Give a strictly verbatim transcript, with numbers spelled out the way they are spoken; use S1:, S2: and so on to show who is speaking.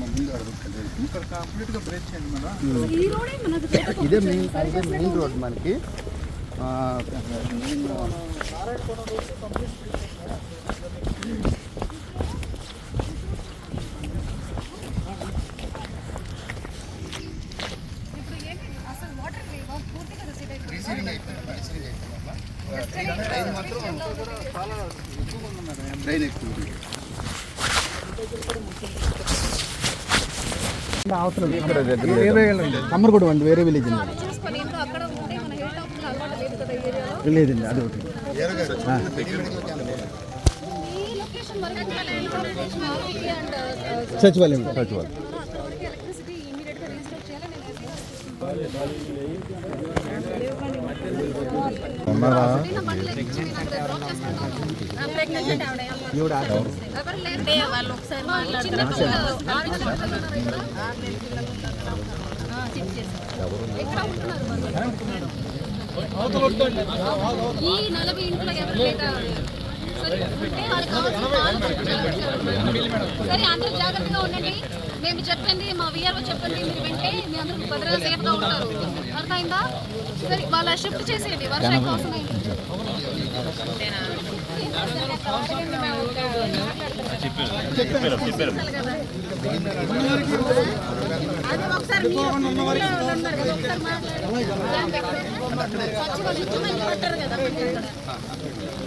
S1: ముందు అడుగుతుంది ఇక్కడ కంప్లీట్గా బ్రేక్ చేయండి మేడం.
S2: ఇదే మెయిన్ ఇదే మెయిన్ రోడ్ మనకి. ట్రైన్ ఎక్కువ అవసరం కమ్మరగూడ అండి, వేరే విలేజ్ లేదండి. అది ఒకటి సచివాలయం సచివాలయం
S3: ఈ నలభై ఇంట్లో సరే అందరూ జాగ్రత్తగా ఉండండి. మేము చెప్పండి, మా విఆర్ఓ చెప్పండి, మీరు వింటే మీ అందరూ భద్రంగా సేఫ్గా ఉంటారు. అర్థమైందా? సరే వాళ్ళ షిఫ్ట్ చేసేయండి, వర్షం కోసం అది ఒకసారి పెట్టారు కదా.